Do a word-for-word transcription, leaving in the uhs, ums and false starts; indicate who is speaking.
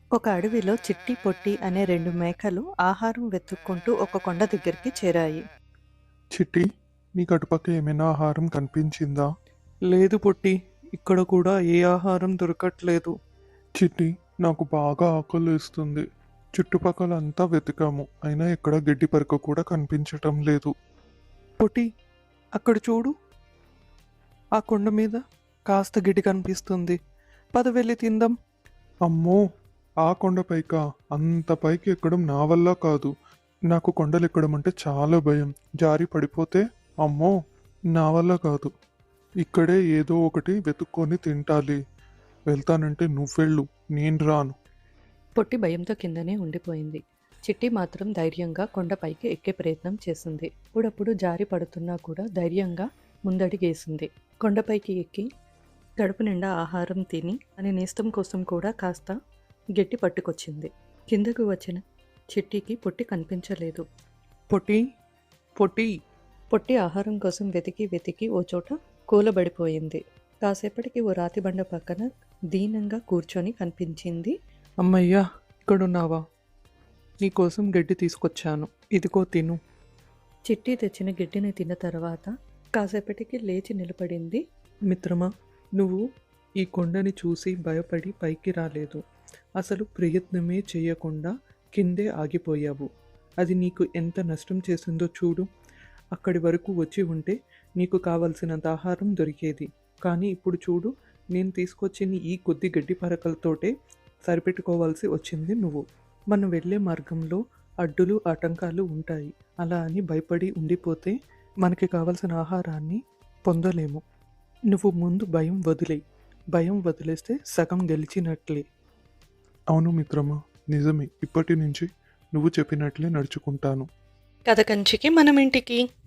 Speaker 1: ఒక అడవిలో చిట్టి పొట్టి అనే రెండు మేకలు ఆహారం వెతుక్కుంటూ ఒక కొండ దగ్గరికి చేరాయి.
Speaker 2: చిట్టి, నీకు అటుపక్క ఏమైనా ఆహారం కనిపించిందా?
Speaker 3: లేదు పొట్టి, ఇక్కడ కూడా ఏ ఆహారం దొరకట్లేదు.
Speaker 2: చిట్టి, నాకు బాగా ఆకలేస్తుంది. చుట్టుపక్కల అంతా వెతికాము, అయినా ఎక్కడ గడ్డి పరక కూడా కనిపించటం లేదు.
Speaker 3: పొట్టి, అక్కడ చూడు, ఆ కొండ మీద కాస్త గిడి కనిపిస్తుంది. పద వెళ్ళి తిందాం.
Speaker 2: అమ్మో, ఆ కొండ పైకా? అంత పైకి ఎక్కడం నా వల్ల కాదు. నాకు కొండలు ఎక్కడం అంటే చాలా భయం. జారి పడిపోతే అమ్మో, నా వల్ల కాదు. ఇక్కడే ఏదో ఒకటి వెతుక్కొని తింటాలి. వెళ్తానంటే నువ్వెళ్ళు, నేను రాను.
Speaker 1: పొట్టి భయంతో కిందనే ఉండిపోయింది. చిట్టి మాత్రం ధైర్యంగా కొండపైకి ఎక్కే ప్రయత్నం చేసింది. అప్పుడప్పుడు జారి పడుతున్నా కూడా ధైర్యంగా ముందడిగేసింది. కొండపైకి ఎక్కి కడుపు నిండా ఆహారం తిని అని నేస్తం కోసం కూడా కాస్త గట్టి పట్టుకొచ్చింది. కిందకు వచ్చిన చిట్టికి పొట్టి కనిపించలేదు.
Speaker 3: పొట్టి, పొట్టి.
Speaker 1: పొట్టి ఆహారం కోసం వెతికి వెతికి ఓ చోట కూలబడిపోయింది. కాసేపటికి ఓ రాతి బండ పక్కన దీనంగా కూర్చొని కనిపించింది.
Speaker 3: అమ్మయ్యా, ఇక్కడున్నావా? నీకోసం గడ్డి తీసుకొచ్చాను, ఇదిగో తిను.
Speaker 1: చిట్టి తెచ్చిన గిడ్డిని తిన్న తర్వాత కాసేపటికి లేచి నిలబడింది.
Speaker 3: మిత్రమా, నువ్వు ఈ కొండని చూసి భయపడి పైకి రాలేదు. అసలు ప్రయత్నమే చేయకుండా కిందే ఆగిపోయావు. అది నీకు ఎంత నష్టం చేసిందో చూడు. అక్కడి వరకు వచ్చి ఉంటే నీకు కావలసినంత ఆహారం దొరికేది. కానీ ఇప్పుడు చూడు, నేను తీసుకొచ్చిన ఈ కొద్ది గడ్డి పరకలతోటే సరిపెట్టుకోవాల్సి వచ్చింది నువ్వు. మనం వెళ్ళే మార్గంలో అడ్డులు ఆటంకాలు ఉంటాయి. అలా అని భయపడి ఉండిపోతే మనకి కావలసిన ఆహారాన్ని పొందలేము. నువ్వు ముందు భయం వదిలేయి. భయం వదిలేస్తే సగం గెలిచినట్లే.
Speaker 2: అవును మిత్రమా, నిజమే. ఇప్పటి నుంచి నువ్వు చెప్పినట్లే నడుచుకుంటాను.
Speaker 1: కథ కంచికి మనం ఇంటికి.